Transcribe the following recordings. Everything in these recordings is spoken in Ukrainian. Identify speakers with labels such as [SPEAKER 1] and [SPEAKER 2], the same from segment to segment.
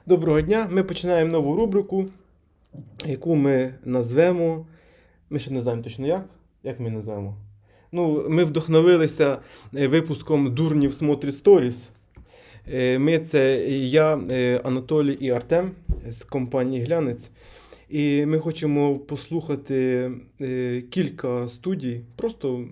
[SPEAKER 1] Доброго дня! Ми починаємо нову рубрику, яку ми назвемо. Ми ще не знаємо точно як. Як ми назвемо? Ми вдохновилися випуском Дурнів смотрять сторіс. Це я, Анатолій і Артем з компанії Глянець. І ми хочемо послухати кілька студій, просто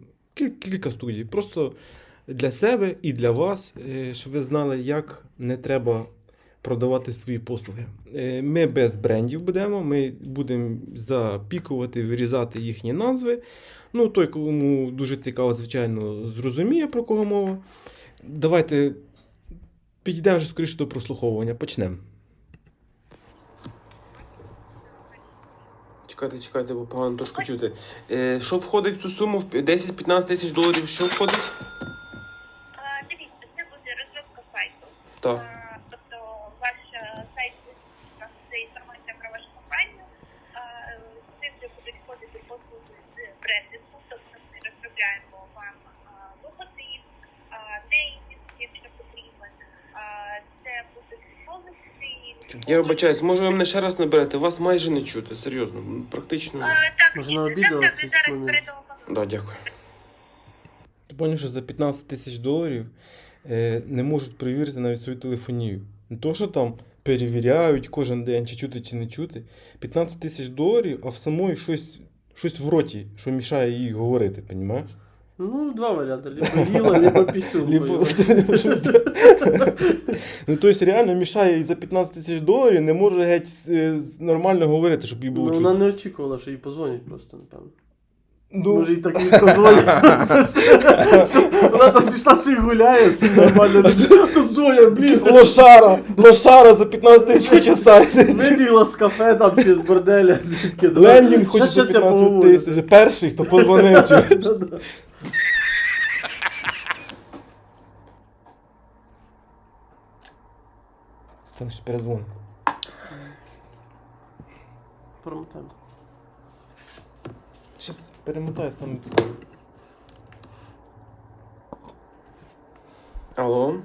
[SPEAKER 1] для себе і для вас, щоб ви знали, як не треба продавати свої послуги. Ми без брендів будемо, ми будемо запікувати, вирізати їхні назви. Той, кому дуже цікаво, звичайно, зрозуміє, про кого мова. Давайте підійдемо вже скоріше до прослуховування. Почнемо. Чекайте, бо погано трошки чути. Що входить в цю суму? 10-15 тисяч доларів, що входить?
[SPEAKER 2] Дивіться, це буде розробка сайту.
[SPEAKER 1] Так.
[SPEAKER 2] Тобто ваш сайт, це інформація про вашу компанію. Це вже будуть входити послуги з брендингу, тобто ми розробляємо вам логотип, неймінг, якщо потрібен. Це будуть полиси.
[SPEAKER 1] Я вибачаюсь, може ви мене ще раз наберете? Вас майже не чути, серйозно, практично.
[SPEAKER 2] Так,
[SPEAKER 3] Може, на відео
[SPEAKER 2] ви
[SPEAKER 3] цей
[SPEAKER 2] зараз
[SPEAKER 3] момент?
[SPEAKER 2] перетелефонуєте.
[SPEAKER 1] Да, дякую. Ти поняв, що за 15 тисяч доларів не можуть перевірити навіть свою телефонію. Не то, що там перевіряють кожен день, чи чути, чи не чути. 15 тисяч доларів, а в самої щось в роті, що мішає їй говорити, розумієш?
[SPEAKER 3] Два варіанти. Либо їла, либо пісюнкою.
[SPEAKER 1] Тобто реально мішає їй за 15 тисяч доларів, не може геть нормально говорити, щоб їй було чути.
[SPEAKER 3] Вона не очікувала, що їй позвонять просто, напевно.
[SPEAKER 1] Ну,
[SPEAKER 3] Може, їй так і позвонять. Вона там пішла собі гуляє, нормально. Тут Зоя, блін,
[SPEAKER 1] лошара за 15 тисяч хоче сайти.
[SPEAKER 3] вибігла з кафе там чи з борделя, звідки.
[SPEAKER 1] Лендінг хоче за 15 тисяч. Перший, хто позвонив. Там ще перезвон.
[SPEAKER 3] Промотаємо.
[SPEAKER 1] Щас перемотаю саме цікаво. Алло?
[SPEAKER 2] Алло,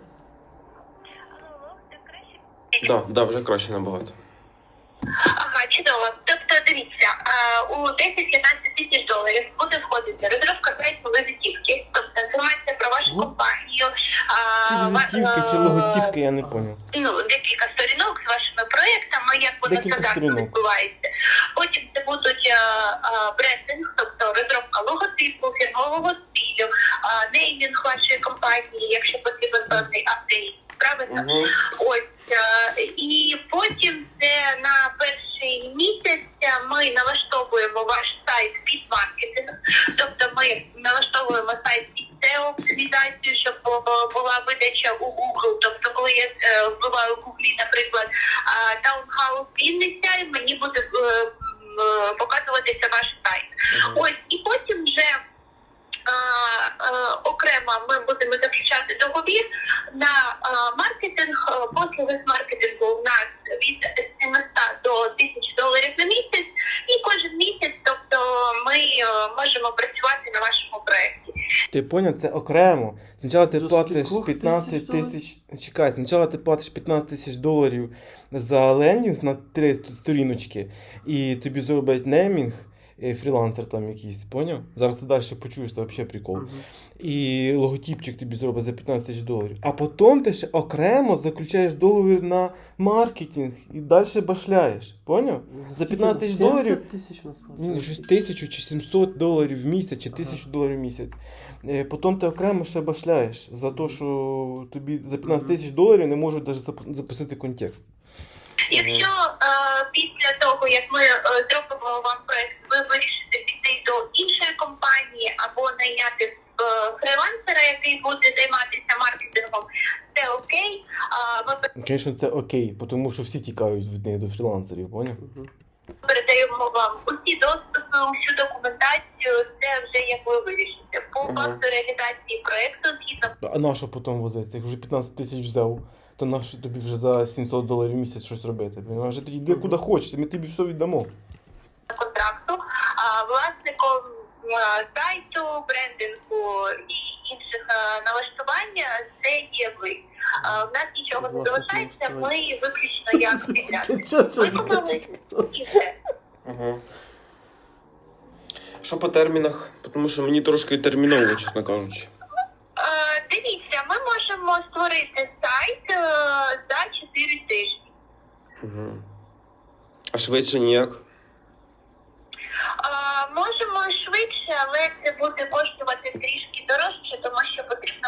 [SPEAKER 2] це краще?
[SPEAKER 1] Да, вже краще набагато.
[SPEAKER 2] Ага, чудово. Тобто, дивіться, у 10-15 тисяч доларів буде входити розробка сайту візитівки, тобто інформація про вашу компанію.
[SPEAKER 1] Візитівки чи логотипки, я не поняв.
[SPEAKER 2] Декілька сторінок з вашими проєктами, як воно
[SPEAKER 1] Декілька
[SPEAKER 2] стандартно
[SPEAKER 1] сторінок.
[SPEAKER 2] відбувається. Потім це будуть брендинг, тобто розробка логотипу, фірмового стилю, неймінг вашої компанії, якщо потрібен певний апдейт. Правильно? Ось. І потім це на перший місяць ми налаштовуємо ваш сайт під маркетинг. Тобто ми налаштовуємо сайт під SEO-оптимізацію, щоб була видача у Google. Тобто, коли я вбиваю в Google, наприклад, таунхаус Вінниця, мені буде показуватися ваш сайт. Ось. І потім вже окремо ми будемо заключати договір на маркетинг. Послуги з маркетингу у нас від 700 до 1000 доларів на місяць, і кожен місяць, тобто ми можемо працювати на вашому проєкті.
[SPEAKER 1] Ти поняв, це окремо. Спочатку ти
[SPEAKER 3] За
[SPEAKER 1] платиш
[SPEAKER 3] скількох
[SPEAKER 1] 15
[SPEAKER 3] тисяч
[SPEAKER 1] тисяч. Чекай, спочатку ти платиш 15 тисяч доларів за лендінг на 3 сторіночки, і тобі зроблять неймінг, фрілансер там якийсь, поняв? Зараз ти далі почуєш, це взагалі прикол. І логотипчик тобі зробить за 15 тисяч доларів. А потім ти ще окремо заключаєш договір на маркетинг і далі башляєш. Поняв? За 15 тисяч доларів.
[SPEAKER 3] 70 тисяч у нас
[SPEAKER 1] Щось 1000 чи 700 доларів в місяць, чи 1000 доларів в місяць. Потім ти окремо ще башляєш за те, що тобі за 15 тисяч доларів не можуть навіть запустити контекст.
[SPEAKER 2] Якщо після того, як ми зробимо вам проєкт, ви вирішите піти до іншої компанії або найняти фрилансера, який буде займатися маркетингом, це окей.
[SPEAKER 1] Звісно, це окей, тому що всі тікають від неї до фрілансерів, поняв?
[SPEAKER 2] Ми передаємо вам усі доступи, усю документацію, це вже як ви вирішите. По факту реалізації проєкту згідно.
[SPEAKER 1] А на що потім возиться? Як вже 15 тисяч взяв, то на що тобі вже за 700 доларів в місяць щось робити? А вже тоді йди куди хочеш, ми тобі все віддамо.
[SPEAKER 2] Контракту власником сайту, брендингу і інших інших налаштування, це є ви. В нас нічого не
[SPEAKER 3] Власне,
[SPEAKER 2] залишається, ми
[SPEAKER 3] налаштування.
[SPEAKER 2] виключно як підряд.
[SPEAKER 3] Що,
[SPEAKER 2] Виконали і все.
[SPEAKER 4] Угу. Що по термінах? Тому що мені трошки терміново, чесно кажучи.
[SPEAKER 2] Дивіться, ми можемо створити сайт за 4 тижні.
[SPEAKER 4] Угу. А швидше ніяк?
[SPEAKER 2] Можемо швидше, але це буде коштувати трішки дорожче, тому що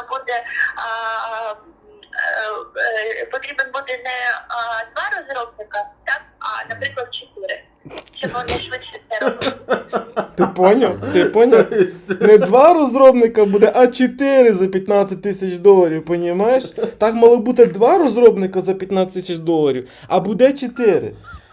[SPEAKER 2] потрібен буде не 2 розробника, так, а, наприклад, 4. Щоб вони швидше це робили.
[SPEAKER 1] Ти поняв? Ти поняв? Не 2 розробника буде, а 4 за 15 тисяч доларів, понімаєш? Так мало бути 2 розробника за 15 тисяч доларів, а буде 4.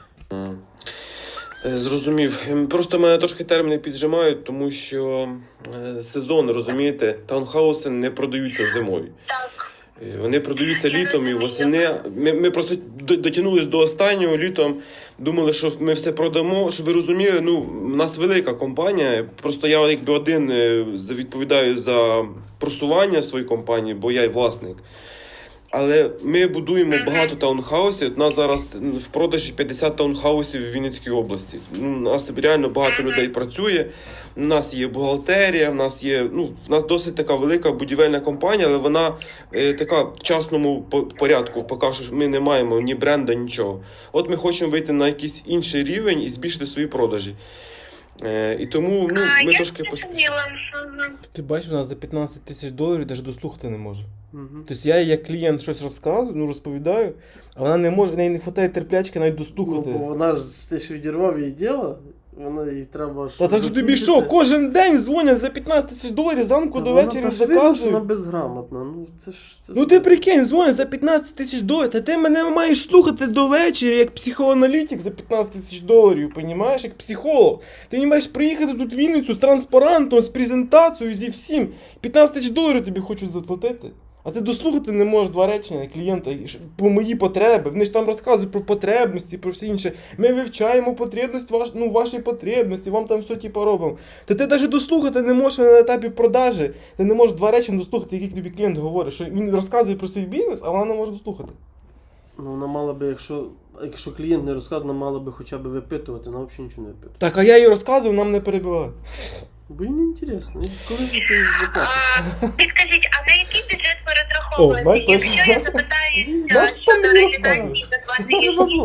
[SPEAKER 4] Зрозумів. Просто мене трошки терміни піджимають, тому що сезон, розумієте, таунхауси не продаються зимою.
[SPEAKER 2] Так.
[SPEAKER 4] Вони продаються літом і восени. Ми просто дотягнулись до останнього літом, думали, що ми все продамо. Щоб ви розуміли, ну, в нас велика компанія. Просто я якби один відповідаю за просування своєї компанії, бо я й власник. Але ми будуємо багато таунхаусів. У нас зараз в продажі 50 таунхаусів в Вінницькій області. У нас реально багато людей працює. У нас є бухгалтерія, у нас досить така велика будівельна компанія, але вона така в частному порядку. Поки що ми не маємо ні бренда, нічого. От ми хочемо вийти на якийсь інший рівень і збільшити свої продажі. І тому ми трошки поспішаємо.
[SPEAKER 1] Ти бачиш, у нас за 15 тисяч доларів навіть дослухати не може. Тобто я їй як клієнт щось розказую, розповідаю, а вона не може, в неї не вистачає терплячки навіть дослухати.
[SPEAKER 3] Ну, бо вона ж те, що відірвав її діло, вона їй треба...
[SPEAKER 1] Та так ж тобі що, кожен день дзвонять за 15 тисяч доларів, зранку до вечора
[SPEAKER 3] Вона
[SPEAKER 1] заказують.
[SPEAKER 3] безграмотна, ну це ж...
[SPEAKER 1] Ну ти прикинь, дзвонять за 15 тисяч доларів, та ти мене маєш слухати до вечора, як психоаналітик за 15 тисяч доларів, понімаєш, як психолог. Ти не маєш приїхати тут в Вінницю з транспарантом, з презентацією, зі всім. 15 тисяч доларів тобі хочуть заплатити. А ти дослухати не можеш 2 речення клієнта по мої потреби. Вони ж там розказують про потребності, про все інше. Ми вивчаємо потребність, ваші потребності, вам там все типу робимо. Та ти навіть дослухати не можеш на етапі продажі. Ти не можеш 2 речення дослухати, які тобі клієнт говорить, що він розказує про свій бізнес, а вона не може дослухати.
[SPEAKER 3] Ну вона мала би, якщо клієнт не розказує, вона мала би хоча б випитувати, вона взагалі нічого не випитує.
[SPEAKER 1] Так, а я їй розказую, нам не перебиває.
[SPEAKER 3] Бо їй не інтересно. Коли ж ти заплатиш?
[SPEAKER 2] Підкажіть, а на який бюджет ви
[SPEAKER 1] О, бач,
[SPEAKER 2] розраховуєте?
[SPEAKER 1] точно.
[SPEAKER 2] Якщо я
[SPEAKER 1] Наш
[SPEAKER 2] запитаюся
[SPEAKER 1] там
[SPEAKER 2] щодо
[SPEAKER 1] не
[SPEAKER 2] реалізації за 2
[SPEAKER 3] Це треба
[SPEAKER 2] тижні,
[SPEAKER 3] було.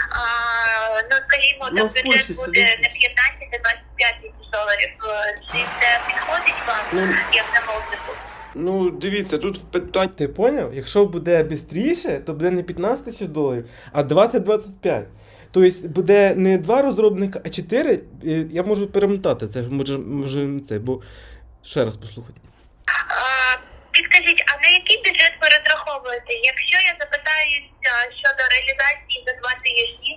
[SPEAKER 2] ну, скажімо,
[SPEAKER 3] Ну,
[SPEAKER 2] там
[SPEAKER 3] в
[SPEAKER 2] бюджет
[SPEAKER 3] Польщі
[SPEAKER 2] буде
[SPEAKER 3] сидить.
[SPEAKER 2] не 15, а 25 тисяч доларів. Чи це підходить вам, як замовнику?
[SPEAKER 4] Ну, дивіться, тут питання.
[SPEAKER 1] Ти поняв? Якщо буде швидше, то буде не 15 тисяч доларів, а 20-25. Тобто буде не 2 розробника, а 4. Я можу перемотати це, може це, бо ще раз послухати.
[SPEAKER 2] Підкажіть, а на який бюджет ви розраховуєте? Якщо я запитаюся щодо реалізації за 2 тижні,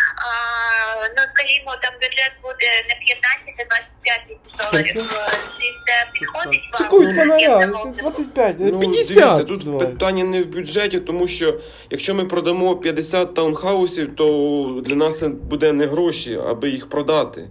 [SPEAKER 2] ну, скажімо, там бюджет буде не 15, а 25 тисяч доларів. Чи це підходить вам?
[SPEAKER 1] Такий
[SPEAKER 2] як
[SPEAKER 1] фонаря,
[SPEAKER 2] замовнику?
[SPEAKER 1] 25,
[SPEAKER 4] Ну,
[SPEAKER 1] 50.
[SPEAKER 4] дивіться, тут
[SPEAKER 1] давай.
[SPEAKER 4] питання не в бюджеті, тому що якщо ми продамо 50 таунхаусів, то для нас це буде не гроші, аби їх продати.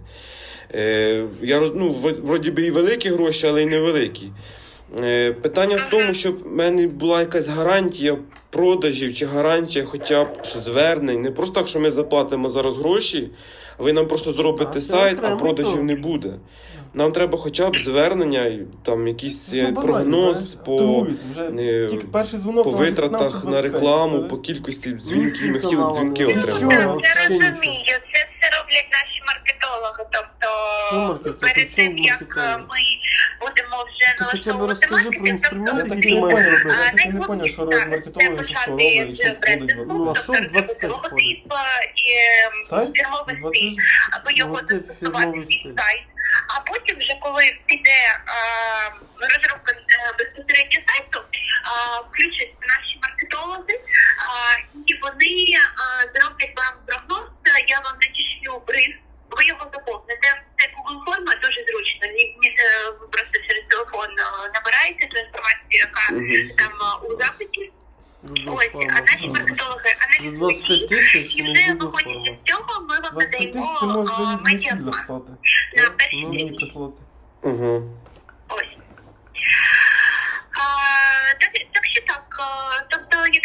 [SPEAKER 4] Вроді би і великі гроші, але й невеликі. Питання в тому, щоб в мене була якась гарантія продажів чи гарантія хоча б звернень. Не просто так, що ми заплатимо зараз гроші, а ви нам просто зробите
[SPEAKER 3] це
[SPEAKER 4] сайт, а
[SPEAKER 3] окремо
[SPEAKER 4] продажів
[SPEAKER 3] то.
[SPEAKER 4] не буде. Нам треба хоча б звернення, і там якийсь
[SPEAKER 1] Ну, базарі,
[SPEAKER 4] прогноз
[SPEAKER 1] знаєш,
[SPEAKER 4] по,
[SPEAKER 1] торгуються, вже тільки перший дзвонок
[SPEAKER 4] по
[SPEAKER 1] на вже
[SPEAKER 4] витратах
[SPEAKER 1] 15-25,
[SPEAKER 4] на рекламу,
[SPEAKER 1] представляєш?
[SPEAKER 4] по кількості дзвінків. Ми хотіли
[SPEAKER 3] функціонал
[SPEAKER 4] дзвінки
[SPEAKER 3] не
[SPEAKER 2] Ну,
[SPEAKER 3] Треба.
[SPEAKER 2] це
[SPEAKER 4] отримати.
[SPEAKER 2] розумію. Це все роблять наші маркетологи. Тобто,
[SPEAKER 3] Що маркетолог?
[SPEAKER 2] перед
[SPEAKER 3] При
[SPEAKER 2] тим,
[SPEAKER 3] чому
[SPEAKER 2] як
[SPEAKER 3] маркетолог?
[SPEAKER 2] ми будемо вже
[SPEAKER 3] Ти хоча б
[SPEAKER 2] налаштовувати
[SPEAKER 3] розкажи про
[SPEAKER 2] маркетинг,
[SPEAKER 3] інструменти,
[SPEAKER 1] Я так
[SPEAKER 3] які
[SPEAKER 1] і
[SPEAKER 3] ти
[SPEAKER 1] не
[SPEAKER 3] маєш
[SPEAKER 1] поняв,
[SPEAKER 3] робити.
[SPEAKER 1] я так і не поняв, що робить маркетологи, що хто робить, і що входить в
[SPEAKER 3] Ну, а
[SPEAKER 1] 25.
[SPEAKER 3] що в 25 входить?
[SPEAKER 1] Сайт?
[SPEAKER 2] фірмовий
[SPEAKER 1] 20
[SPEAKER 2] стиль, аби його
[SPEAKER 3] Ну, ти
[SPEAKER 2] застосувати
[SPEAKER 3] фірмовий
[SPEAKER 2] під
[SPEAKER 3] стиль.
[SPEAKER 2] сайт. А потім вже коли піде розробка безпосередньо сайту, включать наші маркетологи, і вони зроблять вам прогноз, я вам надішлю бриф, ви його заповните. Це Google форма, дуже зручно. Ви просто через телефон набираєте ту інформацію, яка там у запиті. Ось, а наші маркетологи
[SPEAKER 3] За
[SPEAKER 2] аналізують
[SPEAKER 3] 25 тисяч
[SPEAKER 2] і
[SPEAKER 3] не
[SPEAKER 2] вже
[SPEAKER 3] Google
[SPEAKER 2] виходячи
[SPEAKER 3] форма.
[SPEAKER 2] з цього, ми вам
[SPEAKER 1] 25 тисяч ти можеш
[SPEAKER 2] надаємо
[SPEAKER 1] вже її з
[SPEAKER 2] медіаплан
[SPEAKER 1] записати.
[SPEAKER 2] на перші
[SPEAKER 1] Мені
[SPEAKER 2] дні.
[SPEAKER 1] прислати.
[SPEAKER 4] Угу.
[SPEAKER 2] Ось.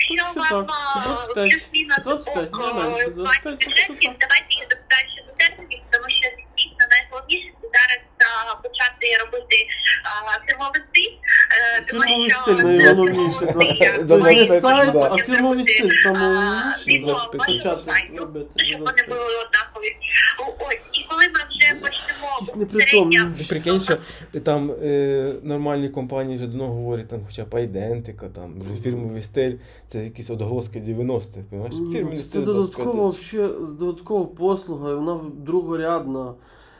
[SPEAKER 2] якщо
[SPEAKER 3] Це
[SPEAKER 2] вам
[SPEAKER 3] так, 25.
[SPEAKER 2] плюс-мінус
[SPEAKER 3] 25,
[SPEAKER 2] ок,
[SPEAKER 3] не менше,
[SPEAKER 2] в
[SPEAKER 3] 25,
[SPEAKER 2] плані
[SPEAKER 3] це
[SPEAKER 2] бюджетів,
[SPEAKER 3] так.
[SPEAKER 2] давайте я запитаю щодо термінів, тому що дійсно найголовніше це зараз почати робити фірмовий стиль. Тому
[SPEAKER 3] Фірмовий
[SPEAKER 2] що
[SPEAKER 3] стиль найголовніше.
[SPEAKER 1] За
[SPEAKER 3] Тобто не
[SPEAKER 1] 25,
[SPEAKER 3] сайт,
[SPEAKER 1] да.
[SPEAKER 3] а фірмовий стиль найголовніше.
[SPEAKER 2] відео
[SPEAKER 1] За 25.
[SPEAKER 2] вашого
[SPEAKER 3] Почати
[SPEAKER 2] сайту,
[SPEAKER 3] робити
[SPEAKER 2] щоб
[SPEAKER 3] за
[SPEAKER 2] вони
[SPEAKER 3] 25.
[SPEAKER 2] були однакові. Ось, і коли ми вже почнемо
[SPEAKER 3] Якісь непритомні.
[SPEAKER 1] Ти прикинь, що там нормальні компанії вже давно говорять, там хоча б Айдентика, там вже фірмовий стиль, це якісь отголоски 90-х, розумієш? Фірмовий
[SPEAKER 3] Це
[SPEAKER 1] стиль 25
[SPEAKER 3] додаткова,
[SPEAKER 1] тисяч.
[SPEAKER 3] додаткова послуга, і вона другорядна.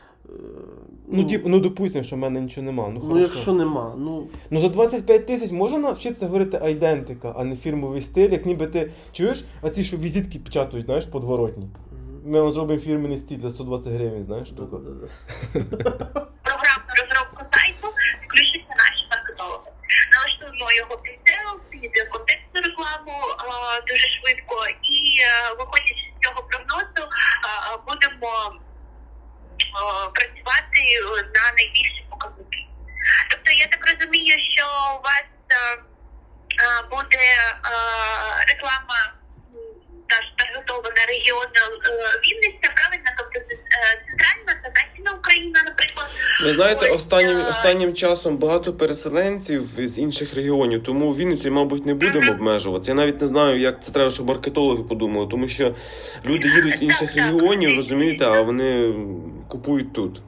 [SPEAKER 1] Ну, допустимо, що в мене нічого нема. Ну,
[SPEAKER 3] Ну,
[SPEAKER 1] хорошо.
[SPEAKER 3] якщо нема, ну
[SPEAKER 1] Ну за 25 тисяч можна навчитися говорити айдентика, а не фірмовий стиль, як ніби ти чуєш, а ці, що візитки печатають, знаєш, подворотні. Ми вам зробимо фірменний стиль за 120 гривень, знаєш, штука.
[SPEAKER 2] програмну розробку сайту включаться наші маркетологи. Налаштуємо його під SEO, під контекстну рекламу дуже швидко і виходячи з цього прогнозу будемо працювати на найбільші показники. Тобто я так розумію, що у вас буде реклама таргетована регіону Вінниця, правильно? Тобто центральна та західна Україна, наприклад.
[SPEAKER 4] Ви знаєте,
[SPEAKER 2] Ось,
[SPEAKER 4] останнім часом багато переселенців з інших регіонів, тому Вінницю, мабуть, не будемо обмежуватися. Я навіть не знаю, як це треба, щоб маркетологи подумали, тому що люди їдуть з інших
[SPEAKER 2] Так,
[SPEAKER 4] регіонів,
[SPEAKER 2] так.
[SPEAKER 4] розумієте, а вони купують тут.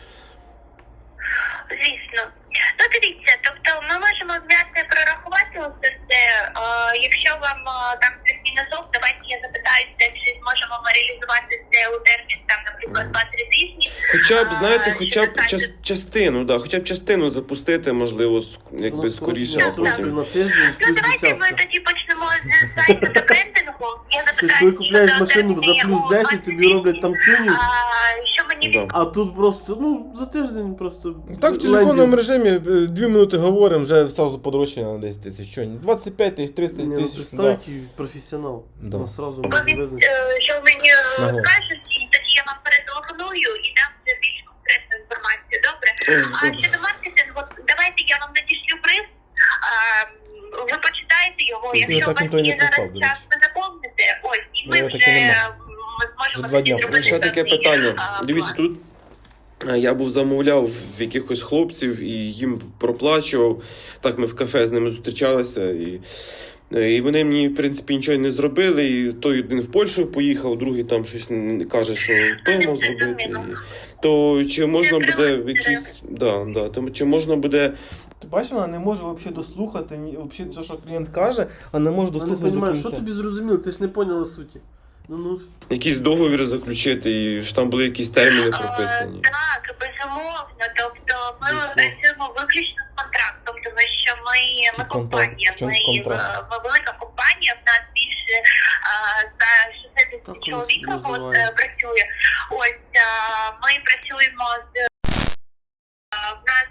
[SPEAKER 2] Звісно. Ну, дивіться, тобто ми можемо взяти, прорахувати усе це. Якщо вам там плюс-мінусок, давайте я запитаюся, чи зможемо ми реалізувати це у термін, там, наприклад, 2-3 тижні.
[SPEAKER 4] Хоча б, знаєте,
[SPEAKER 2] Що
[SPEAKER 4] хоча б
[SPEAKER 2] касається-
[SPEAKER 4] частину, да, хоча б частину запустити, можливо, якби скоріше, а потім.
[SPEAKER 3] на тиждень
[SPEAKER 2] Ну,
[SPEAKER 3] плюс
[SPEAKER 2] давайте ми
[SPEAKER 3] десятка.
[SPEAKER 2] тоді почнемо з сайту та брендингу. Я
[SPEAKER 3] Тобто,
[SPEAKER 2] запитаю,
[SPEAKER 3] коли купляєш
[SPEAKER 2] щодо
[SPEAKER 3] машину за
[SPEAKER 2] термінів
[SPEAKER 3] плюс
[SPEAKER 2] у
[SPEAKER 3] 10, тобі роблять там тюнінг,
[SPEAKER 2] що мені
[SPEAKER 4] Да.
[SPEAKER 3] а тут просто, ну, за тиждень просто.
[SPEAKER 1] Так, в телефонному
[SPEAKER 3] лендінг.
[SPEAKER 1] режимі 2 минути говоримо, вже одразу подорожчання на 10 тисяч. Що, 25 тисяч, 30
[SPEAKER 3] Ні, ну,
[SPEAKER 1] тисяч.
[SPEAKER 3] представь, який професіонал.
[SPEAKER 1] Да.
[SPEAKER 3] Вона сразу
[SPEAKER 2] Бо
[SPEAKER 3] може
[SPEAKER 2] він,
[SPEAKER 3] визначити.
[SPEAKER 2] що мені
[SPEAKER 1] Ага.
[SPEAKER 2] кажуть, і тоді я вам перетелефоную і дам вже більш конкретну інформацію. Добре? А щодо маркетингу, давайте я вам надішлю бриф, ви почитаєте його,
[SPEAKER 1] Я
[SPEAKER 2] якщо
[SPEAKER 1] так
[SPEAKER 2] у
[SPEAKER 1] ніхто і
[SPEAKER 2] вас
[SPEAKER 1] не
[SPEAKER 2] є зараз
[SPEAKER 1] писав, до
[SPEAKER 2] час,
[SPEAKER 1] речі.
[SPEAKER 2] ви заповните, ось, і
[SPEAKER 1] Ну,
[SPEAKER 2] ми
[SPEAKER 1] я
[SPEAKER 2] вже
[SPEAKER 1] таки нема.
[SPEAKER 2] зможемо
[SPEAKER 1] За 2 дня
[SPEAKER 2] зробити
[SPEAKER 4] Ще таке
[SPEAKER 2] певний,
[SPEAKER 4] питання.
[SPEAKER 2] план.
[SPEAKER 4] Дивіться, тут я був замовляв в якихось хлопців і їм проплачував. Так ми в кафе з ними зустрічалися. І вони мені, в принципі, нічого не зробили. І той один в Польщу поїхав, другий там щось каже, що той мав зробити. То чи можна буде в якісь. Да, то чи можна буде.
[SPEAKER 1] Ти бачиш, вона не може взагалі дослухати, взагалі все, що клієнт каже, а не може
[SPEAKER 3] Я не
[SPEAKER 1] дослухати до
[SPEAKER 3] розумію,
[SPEAKER 1] кінця.
[SPEAKER 3] що тобі зрозуміло, ти ж не поняла суті. Ну,
[SPEAKER 4] Якийсь договір заключити, і ж там були якісь терміни прописані.
[SPEAKER 2] Так, безумовно. Тобто ми
[SPEAKER 1] Звісно.
[SPEAKER 2] працюємо виключно з контрактом, тому що ми
[SPEAKER 1] Чи
[SPEAKER 2] компанія,
[SPEAKER 1] в чому
[SPEAKER 2] ми
[SPEAKER 1] контракт?
[SPEAKER 2] велика компанія, в нас більше за 60
[SPEAKER 3] Так,
[SPEAKER 2] чоловік
[SPEAKER 3] воно
[SPEAKER 2] робот
[SPEAKER 3] називається.
[SPEAKER 2] працює. Ось ми працюємо з в нас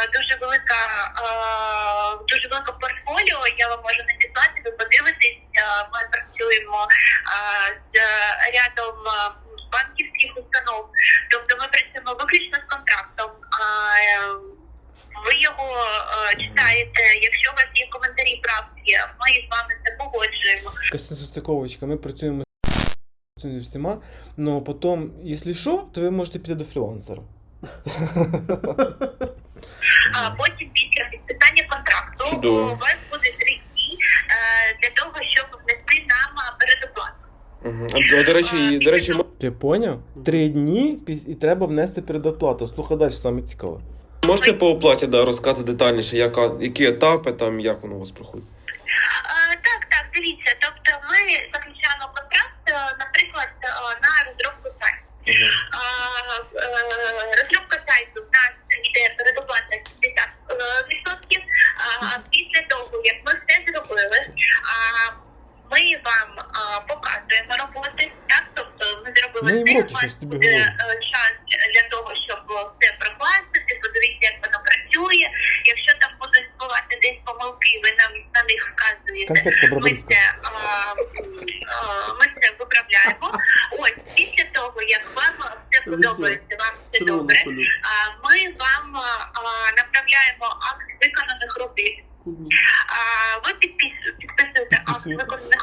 [SPEAKER 2] дуже велика портфоліо, я вам можу надіслати, ви подивитесь. Ми працюємо з рядом банківських установ. Тобто ми працюємо виключно з контрактом. Ви його читаєте, якщо у вас є коментарі, правки, ми з вами це погоджуємо.
[SPEAKER 1] Якась несостиковочка, ми працюємо зі всіма, але потім, якщо що, то ви можете піти до фрілансера.
[SPEAKER 2] А потім після підписання контракту
[SPEAKER 4] Чудово.
[SPEAKER 2] у вас буде 3 дні для того, щоб внести нам передоплату.
[SPEAKER 4] Угу. До речі,
[SPEAKER 1] Ти поняв? 3 дні і треба внести передоплату. Слухай далі, саме цікаве.
[SPEAKER 4] можете по оплаті розказати детальніше, які етапи, там, як воно у вас проходить?
[SPEAKER 2] Так, дивіться. Тобто ми заключаємо контракт, наприклад, на розробку сайту. Розробка сайту в нас йде передоплата 70%. Після того, як ми все зробили, ми вам показуємо роботи. Так, тобто ми зробили
[SPEAKER 1] Ну, і
[SPEAKER 2] все,
[SPEAKER 1] вроді,
[SPEAKER 2] у вас
[SPEAKER 1] щось тобі
[SPEAKER 2] буде
[SPEAKER 1] говорю.
[SPEAKER 2] час для того, щоб все прокласти, подивитися, як воно працює. Якщо там будуть бувати десь помилки, ви нам на них вказуєте.
[SPEAKER 1] Конфетка
[SPEAKER 2] Ми
[SPEAKER 1] браbarська.
[SPEAKER 2] це виправляємо. Ось після того, як вам все подобається, вам все добре, ми вам направляємо акт виконаних робіт. Ви підписуєте акт виконаних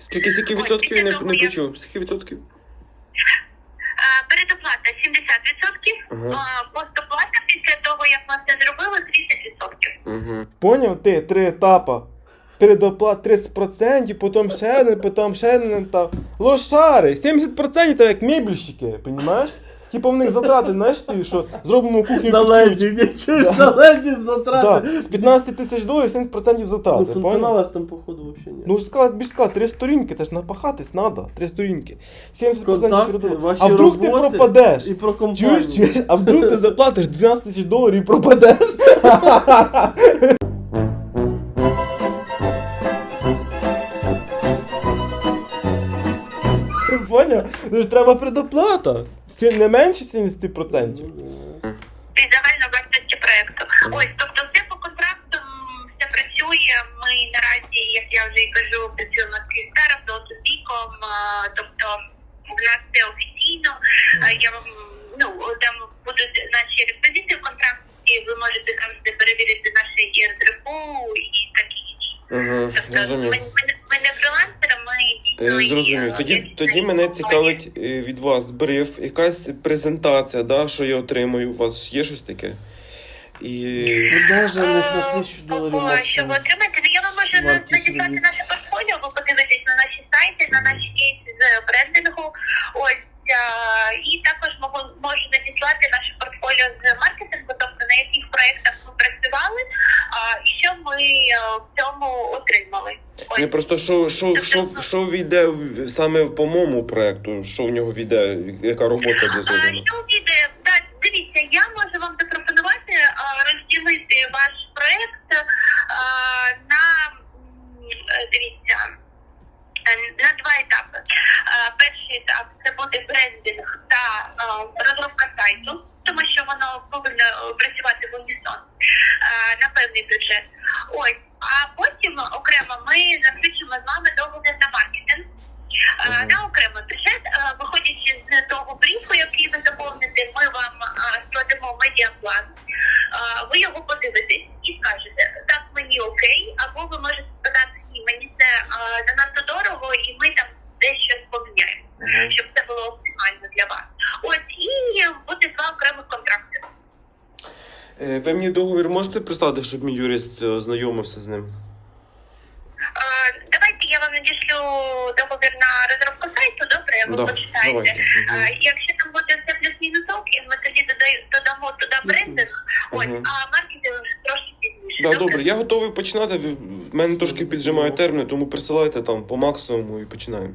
[SPEAKER 4] Скільки відсотків я не почув? Скільки відсотків?
[SPEAKER 2] Передоплата 70%, постоплата після того, як ми це зробили, 30%.
[SPEAKER 4] Угу.
[SPEAKER 1] Поняв ти? 3 етапа. Передоплат 30%, потім ще один етап. Лошари! 70% треба як мебельщики, понімаєш? Типа в них затрати, знаєш, ці, що зробимо кухню
[SPEAKER 3] На
[SPEAKER 1] під
[SPEAKER 3] леді,
[SPEAKER 1] ключ.
[SPEAKER 3] не чуєш, на леді затрати.
[SPEAKER 1] Да. З 15 тисяч доларів 70% затрати,
[SPEAKER 3] Ну,
[SPEAKER 1] поняв?
[SPEAKER 3] функціонала ж там, походу, вообще ні.
[SPEAKER 1] Ну, більш сказати, 3 сторінки, теж напахатись треба, 3 сторінки. 70%
[SPEAKER 3] Контакти,
[SPEAKER 1] передоплат.
[SPEAKER 3] ваші
[SPEAKER 1] А вдруг ти
[SPEAKER 3] роботи
[SPEAKER 1] пропадеш?
[SPEAKER 3] І про компанію.
[SPEAKER 1] Чуєш? А вдруг ти заплатиш 12 тисяч доларів і пропадеш? Поняв? Ну ж треба предоплата. Не менше 70%.
[SPEAKER 2] Від загальної вартості проєкту. Ось, тобто все по контрактам, все працює. Ми наразі, як я вже і кажу, працюємо з Київстаром, Золотопіком, тобто в нас все офіційно. Я вам, там будуть наші реквізити в контракті, ви можете завжди перевірити наше ЄРДРПУ і такі інші.
[SPEAKER 4] Угу.
[SPEAKER 2] Тобто
[SPEAKER 4] Зрозумів.
[SPEAKER 2] ми не фрилансери, ми дійсно...
[SPEAKER 4] Зрозумів. Тоді мене цікавить від вас бриф, якась презентація, да, що я отримую. У вас є щось таке? І...
[SPEAKER 3] Подержаних на $1000
[SPEAKER 2] Щоб
[SPEAKER 3] максимум.
[SPEAKER 2] отримати, я вам можу
[SPEAKER 3] Вартість
[SPEAKER 2] надіслати
[SPEAKER 3] робіт.
[SPEAKER 2] наше портфоліо, ви подивитесь на наші сайти, на наші кейси з брендингу. Ось, і також можу надіслати наше портфоліо з маркетингу, тобто на яких проєктах ми працювали, і що ми в цьому отримали. Ось.
[SPEAKER 4] Не просто що війде саме по моєму проекту, що в нього війде, яка робота буде зроблена?
[SPEAKER 2] Що віде? Так, дивіться, я можу вам запропонувати розділити ваш проєкт на, дивіться, на 2 етапи. Перший етап – це буде брендинг та розробка сайту, тому що воно повинно працювати в унісон на певний бюджет. Ось, а потім окремо ми заключимо з вами договір на маркетинг. На окремий бюджет, виходячи з того бріфу, який ви заповните, ми вам складемо медіаплан, ви його подивитесь і скажете, так, мені окей, або ви можете сказати, ні, мені це занадто дорого, і ми там дещо поміняємо, щоб це було оптимально для вас. Ось, і буде 2 окремих контракти.
[SPEAKER 4] Ви мені договір можете прислати, щоб мій юрист ознайомився з ним?
[SPEAKER 2] Давайте я вам надішлю договір на розробку сайту, добре, ви
[SPEAKER 4] Да,
[SPEAKER 2] почитаєте.
[SPEAKER 4] давайте.
[SPEAKER 2] Якщо там буде все плюс-мінусовки, ми тоді додамо туди брендинг, ось, а маркетинг трошки пізніше.
[SPEAKER 4] Да, добре, я готовий починати. В мене трошки піджимають терміни, тому присилайте там по максимуму і починаємо.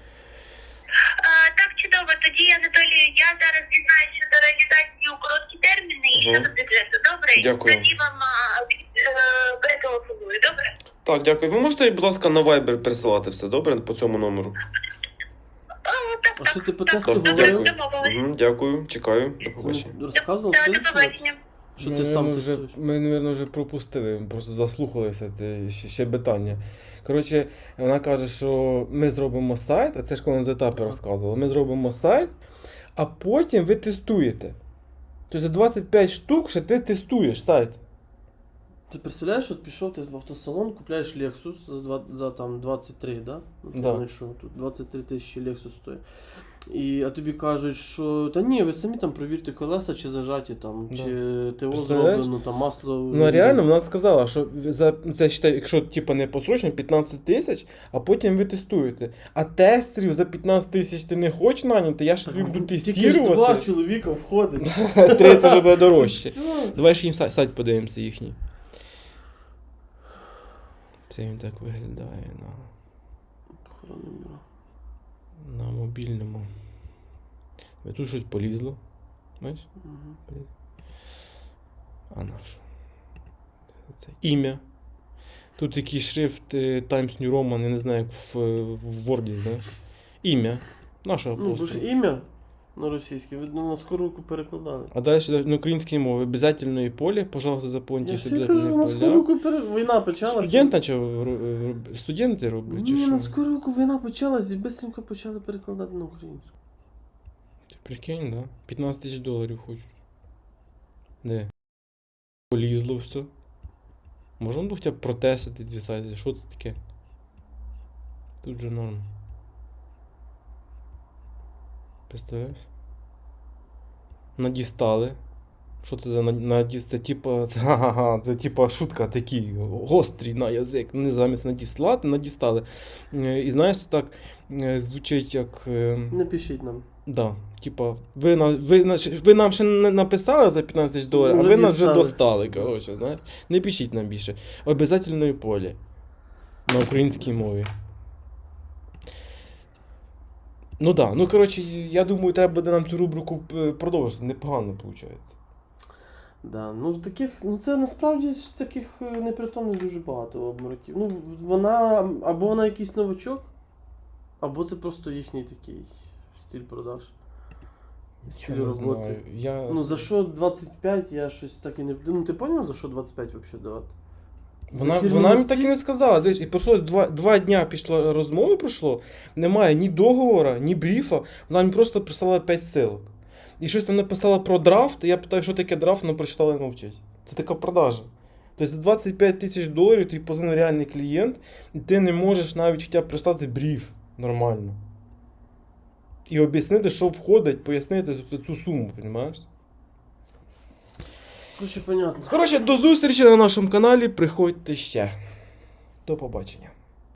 [SPEAKER 2] Так, чудово. Тоді, Анатолію, я зараз дізнаюся щодо реалізації у короткі терміни і щодо бюджету, добре?
[SPEAKER 4] Дякую.
[SPEAKER 2] Тоді вам перетелефоную, добре?
[SPEAKER 4] Так, дякую. Ви можете, будь ласка, на Viber присилати все, добре, по цьому номеру?
[SPEAKER 2] Так,
[SPEAKER 3] А що ти по
[SPEAKER 2] так,
[SPEAKER 3] тесту
[SPEAKER 2] добре,
[SPEAKER 3] говорив?
[SPEAKER 2] домовились.
[SPEAKER 4] Угу, дякую, чекаю. До побачення.
[SPEAKER 3] Ти розказував,
[SPEAKER 2] До
[SPEAKER 3] ти
[SPEAKER 2] побачення.
[SPEAKER 3] що ти сам
[SPEAKER 1] вже,
[SPEAKER 3] тестуєш?
[SPEAKER 1] ми, мабуть, вже пропустили, просто заслухалися це щебетання. Коротше, вона каже, що ми зробимо сайт, а це ж коли з етапи розказувала. Ми зробимо сайт, а потім ви тестуєте. Тобто за 25 штук ще ти тестуєш сайт.
[SPEAKER 3] Ти представляєш, от пішов ти в автосалон, купляєш Lexus за там 23, да?
[SPEAKER 1] Да.
[SPEAKER 3] Знайшов тут 23 тисячі Lexus стоїть. А тобі кажуть, що та ні, ви самі там провірте колеса, чи зажаті там,
[SPEAKER 1] Да.
[SPEAKER 3] чи ТО
[SPEAKER 1] Представляєш?
[SPEAKER 3] зроблено, там масло.
[SPEAKER 1] Ну а реально вона сказала, що за це считай, якщо типа не посрочно, 15 тисяч, а потім ви тестуєте. А тестерів за 15 тисяч ти не хочеш наняти, я ж люблю
[SPEAKER 3] Тільки ж 2
[SPEAKER 1] тестувати.
[SPEAKER 3] чоловіка входить.
[SPEAKER 1] 3 це вже буде дорожче.
[SPEAKER 3] Все.
[SPEAKER 1] Давай ще сайт подивимося їхній. Це він так виглядає на мобільному. Тут щось полізло. Бачиш?
[SPEAKER 3] Мгм.
[SPEAKER 1] А на що? Це ім'я. Тут який шрифт Times New Roman, я не знаю, як в Word, знаєш. Ім'я. Нашого
[SPEAKER 3] Ну, бо
[SPEAKER 1] просто.
[SPEAKER 3] ж ім'я на російське, видно, на скоруку перекладали.
[SPEAKER 1] А далі на українській мові обов'язательної поле, пожалуйста, заповніть
[SPEAKER 3] Я всі
[SPEAKER 1] обов'язательне
[SPEAKER 3] кажу, на
[SPEAKER 1] поля.
[SPEAKER 3] скоруку війна почалася.
[SPEAKER 1] Студент почав, студенти роблять, чи
[SPEAKER 3] Ні,
[SPEAKER 1] що?
[SPEAKER 3] на скоруку війна почалась і бистренько почали перекладати на українську.
[SPEAKER 1] Ти прикинь, да? 15 тисяч доларів хочуть. Де? Полізло все. Можемо хоча б протестити ці сайти? Що це таке? Тут же норм. Представляєш? Надістали. Що це за надіст? Це типа. Це типа шутка такі. Гострий на язик. Не замість надіслати, надістали. І знаєш, це так звучить як.
[SPEAKER 3] Не пишіть нам.
[SPEAKER 1] Да. Типа, ви нам ще не написали за 15 тисяч доларів, а
[SPEAKER 3] Вже
[SPEAKER 1] ви нас вже
[SPEAKER 3] дістали.
[SPEAKER 1] достали. Коротше, знаєш. Не пишіть нам більше. Обязательної полі. На українській мові. Ну да. Ну коротше, я думаю, треба буде нам цю рубрику продовжити. Непогано виходить.
[SPEAKER 3] Да, ну таких, ну це насправді ж таких непритомних дуже багато обмороків. Ну, вона, або вона якийсь новачок, або це просто їхній такий стиль продаж. Стиль
[SPEAKER 1] Я не
[SPEAKER 3] роботи.
[SPEAKER 1] знаю.
[SPEAKER 3] Ну за що 25, я щось так і не. Ну ти поняв, за що 25 взагалі давати?
[SPEAKER 1] Вона
[SPEAKER 3] фірменний
[SPEAKER 1] мені
[SPEAKER 3] стиль?
[SPEAKER 1] так і не сказала. Дивись, і пройшло два дня пішло розмови пройшло, немає ні договора, ні бріфа, вона мені просто прислала 5 ссылок. І щось там написала про драфт, і я питаю, що таке драфт, вона прочитала і мовчить. Це така продажа. Тобто за 25 тисяч доларів тобі позвонив реальний клієнт, і ти не можеш навіть хоча б прислати бріф нормально. І об'яснити, що входить, пояснити цю суму, розумієш?
[SPEAKER 3] Короче, понятно.
[SPEAKER 1] Коротше, до зустрічі на нашому каналі, приходьте ще. До побачення.